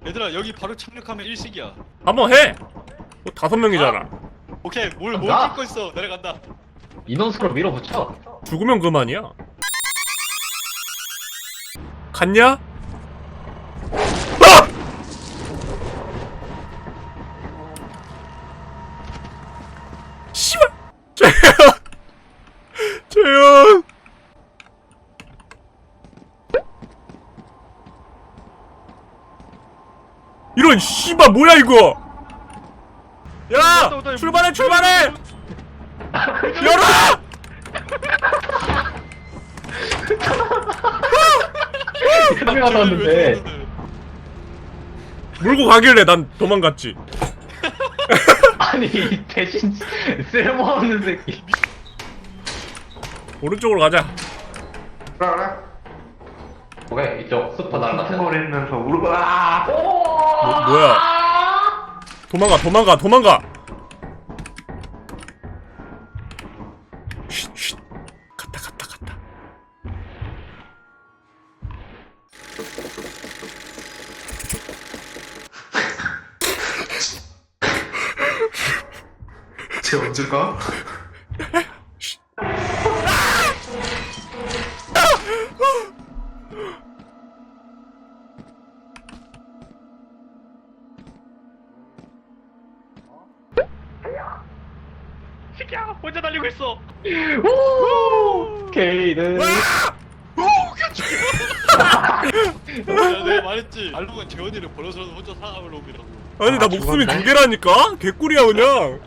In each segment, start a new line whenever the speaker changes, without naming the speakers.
얘들아 여기 바로 착륙하면 일식이야.
한번 해. 뭐 5명이잖아.
오케이 뭘
간다.
찍고 있어. 내려간다.
인원수로 밀어붙여.
죽으면 그만이야. 갔냐? 아! 씨발! 재현! 이런 씨발 뭐야 이거! 야! 출발해 출발해! 열어!
카메라도 왔는데.
물고 가길래 난 도망갔지.
아니 대신 쓸모없는 새끼.
오른쪽으로 가자.
그래. 오케이 이쪽 슈퍼 날라갔어.
거리면서 울고 아!
뭐야? 도망가 도망가 도망가. 쉿, 쉿. 갔다 갔다 갔다.
쟤 언제 가?
새끼야 혼자 달리고 있어.
오! 케이는
야, 내가 말했지. 알록은 재원이를 버려서라도 혼자 살아남을 놈이라고.
아니 나 목숨이 2개라니까? 개꿀이야 그냥.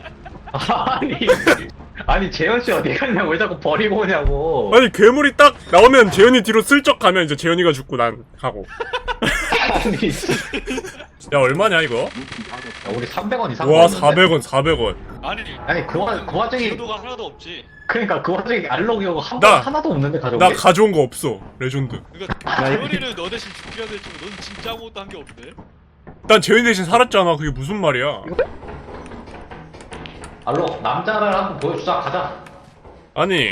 아니 재현 씨 어디 갔냐고 왜 자꾸 버리고 오냐고.
아니 괴물이 딱 나오면 재현이 뒤로 슬쩍 가면 이제 재현이가 죽고 난 가고.
아니
야 얼마냐 이거?
야, 우리 300원 이상.
와
벌었는데?
400원 400원.
아니
그 와중에
기도가 하나도 없지.
그러니까 그 와중에 알록이고
나-
하나도 없는데 가져온
나
게?
가져온 거 없어. 레전드.
그러니까 재원이는 너 대신 죽여야 될지 넌 진짜 아무것도 한 게 없네.
난 재현이 대신 살았잖아. 그게 무슨 말이야?
알록 남자를 한번 보여주자. 가자.
아니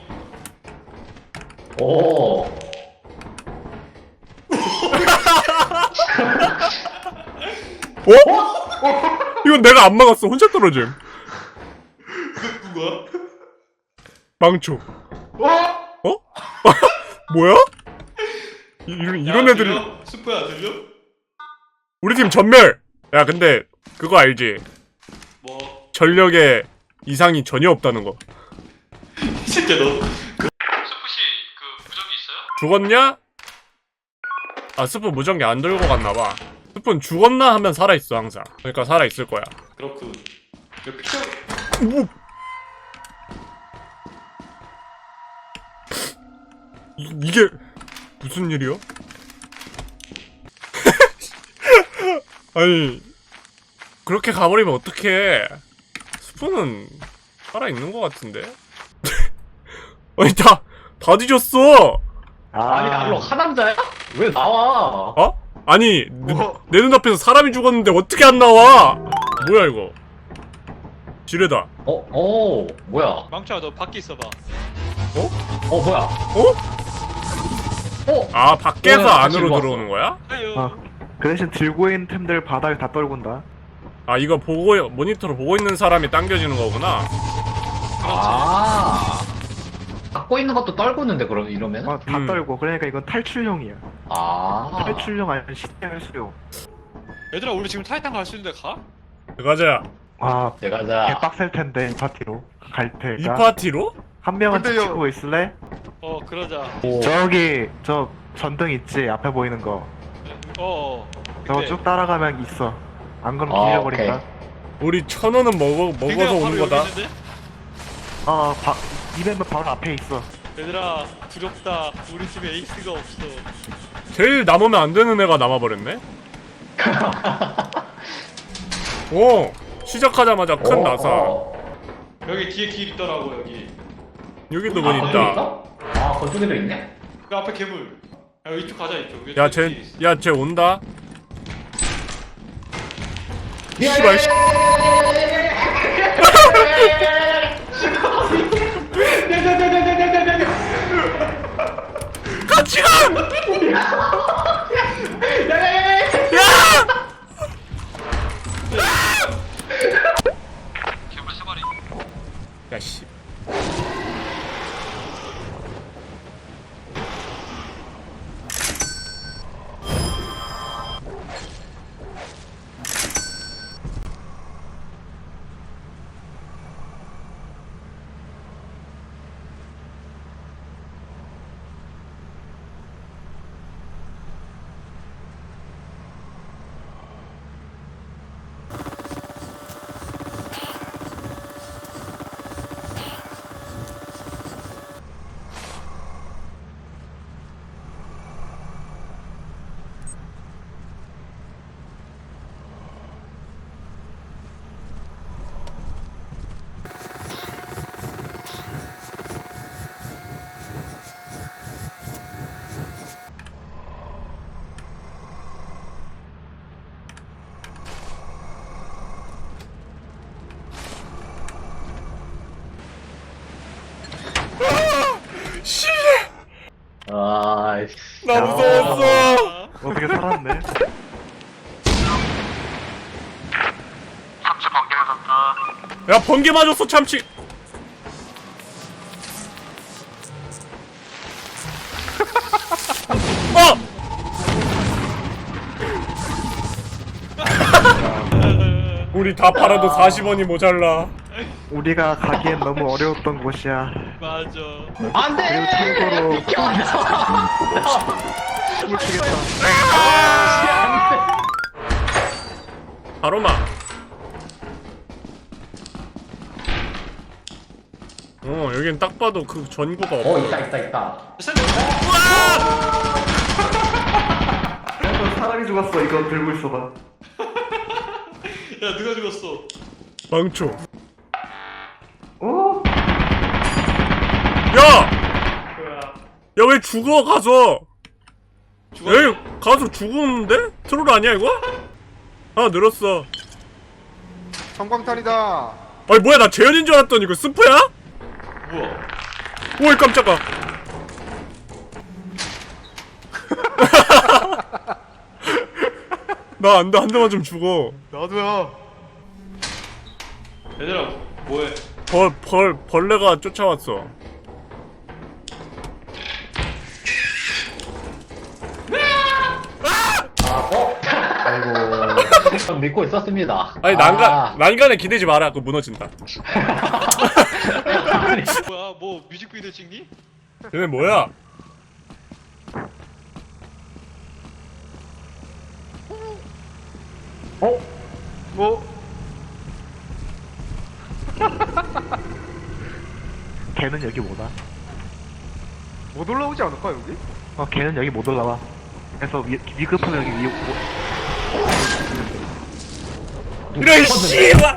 오.
어? 이건 내가 안 막았어. 혼자 떨어짐.
누가?
망초. 어? 뭐야? 이런 애들이
스프야 들려?
우리 팀 전멸. 야 근데 그거 알지?
뭐?
전력에 이상이 전혀 없다는 거.
이 새끼야 너. 스프씨 그 무적이 있어요?
죽었냐? 아 스프 무전기 안 들고 갔나봐. 스프는 죽었나 하면 살아있어 항상. 그러니까 살아있을 거야.
그렇군. 야, 피쳐.
뭐? 이게 무슨 일이야? 아니 그렇게 가버리면 어떡해. 스프는 살아있는 것 같은데? 아니 다 뒤졌어.
아니 알록 하남자야? 왜 나와?
어? 아니
뭐?
내 눈앞에서 사람이 죽었는데 어떻게 안 나와? 뭐야 이거? 지뢰다.
뭐야?
망쳐야 너 밖에 있어봐.
뭐야?
아 밖에서
같이
안으로
일로
들어오는 거야?
아유.
그 대신 들고 있는 템들 바닥에 다 떨군다.
아 이거 보고 모니터로 보고 있는 사람이 당겨지는 거구나.
아. 갖고 있는 것도 떨고 있는데 그럼 이러면?
다 떨고. 그러니까 이건 탈출용이야.
아.
탈출용 아니면 시야할 수용.
얘들아 우리 지금 타이탄 갈 수 있는데 가?
가자.
아,
내가자.
개빡셀 텐데 이 파티로 갈
이
테니까.
파티로?
한 명은
근데요.
지키고 있을래?
그러자.
저기 저 전등 있지 앞에 보이는 거. 저거
네.
쭉 따라가면 있어. 안 그러면
아,
길려버린다.
우리 1,000원은 먹어서 오는 거다.
이벤트 바로 앞에 있어.
얘들아 두렵다. 우리 팀에 에이스가 없어.
제일 남으면 안 되는 애가 남아버렸네. 오 시작하자마자 큰 나사.
여기 뒤에 길 있더라고 여기.
여기도 문 있다.
아, 건조기도 있네?
그 앞에 괴물. 야 이쪽 가자 이쪽.
야쟤 온다. 씨발 씨. 같이 가! 야! 나 무서웠어.
어떻게 살았네?
야 번개 맞았어 참치. 어! 우리 다 팔아도 40원이 모자라.
우리가 가기엔 너무 어려웠던 곳이야.
맞아.
안돼.
그리고 참고로 춤을 추겠다.
바로마. 여긴 딱 봐도 그 전구가 없어.
있다.
사람이 죽었어. 이거 들고 있어봐.
야 누가 죽었어?
망초.
오?
야! 야 왜 죽어 가서? 여기 가서 죽었는데? 트롤 아니야 이거? 아 늘었어.
성광탄이다.
아니 뭐야 나 재현인 줄 알았더니 이거 스프야?
뭐야?
오이 깜짝아. 나 안 돼 한 대만 좀 죽어.
나도야.
얘들아 뭐해?
벌레가 쫓아왔어.
아이고. 믿고 있었습니다.
아니 난간에 기대지 마라. 그거 무너진다.
뭐야 뭐 뮤직비디오 찍니?
얘네 뭐야?
뭐?
걔는 여기 못 와.
못 올라오지 않을까 여기?
걔는 여기 못 올라와. 그래서 위급하면 여기
이런 씨발.